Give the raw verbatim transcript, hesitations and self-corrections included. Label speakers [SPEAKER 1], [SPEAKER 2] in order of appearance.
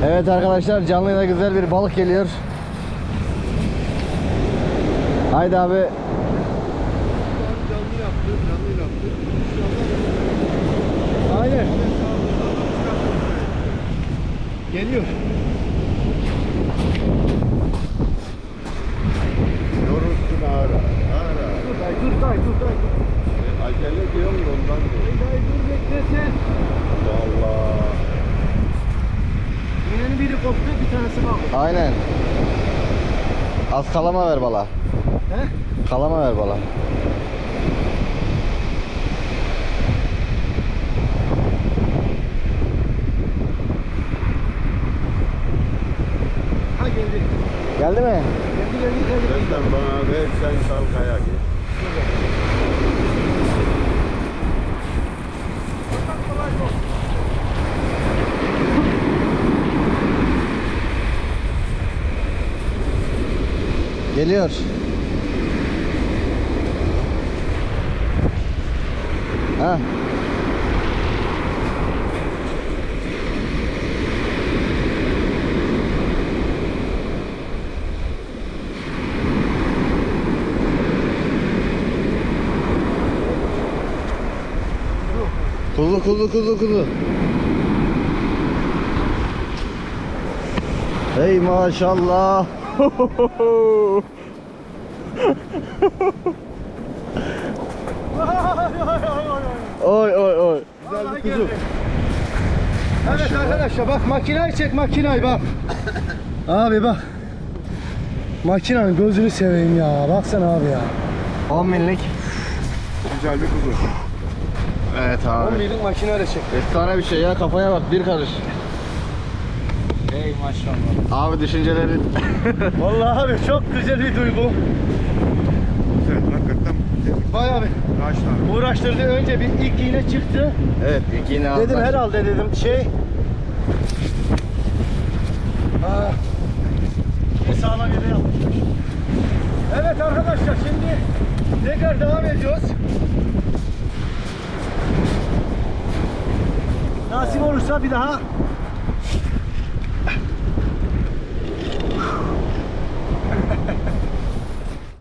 [SPEAKER 1] Evet arkadaşlar, canlıyla güzel bir balık geliyor. Haydi abi.
[SPEAKER 2] Canlı yaptı, canlı yaptı.
[SPEAKER 3] Aynen.
[SPEAKER 2] Geliyor. Yorulsun ağır ağır.
[SPEAKER 3] Dur dayı, dur dayı, dur dayı.
[SPEAKER 2] Acele diyorum da ondan
[SPEAKER 3] Dayı,
[SPEAKER 2] diyor.
[SPEAKER 3] dayı dur bekle sen.
[SPEAKER 2] Allah.
[SPEAKER 3] İğnenin biri koptu, bir tanesi kaldı.
[SPEAKER 1] Aynen. Az kalama ver bala.
[SPEAKER 3] He?
[SPEAKER 1] Kalama ver bala.
[SPEAKER 3] Ha geldi.
[SPEAKER 1] Geldi mi?
[SPEAKER 3] Geldi geldi geldi.
[SPEAKER 2] Senden bana ver, sen sal kaya git.
[SPEAKER 1] Geliyor. Ha. Kuzu kuzu kuzu kuzu. Hey maşallah. Oy oy oy.
[SPEAKER 3] Güzel bir kuzu. Evet arkadaşlar bak makinayı çek makinayı bak. Abi bak. Makinanın gözünü seveyim ya. Baksana abi ya.
[SPEAKER 1] on binlik.
[SPEAKER 2] Güzel bir kuzu.
[SPEAKER 1] Evet
[SPEAKER 3] on
[SPEAKER 1] abi.
[SPEAKER 3] binlik makinayla çek.
[SPEAKER 1] Efsane bir şey ya, kafaya bak, bir karış.
[SPEAKER 3] Ey maşallah.
[SPEAKER 1] Abi düşüncelerin.
[SPEAKER 3] Vallahi abi çok güzel bir duygu.
[SPEAKER 2] Güzel, hakikaten.
[SPEAKER 3] Bayağı bir
[SPEAKER 2] Kaç tane?
[SPEAKER 3] uğraştırdı. Önce bir ilk iğne çıktı.
[SPEAKER 1] Evet, iki yine aldılar.
[SPEAKER 3] Dedim herhalde dedim şey. Aa, bir sağlam yere yapmışlar. Evet arkadaşlar şimdi tekrar devam ediyoruz. Nasip olursa bir daha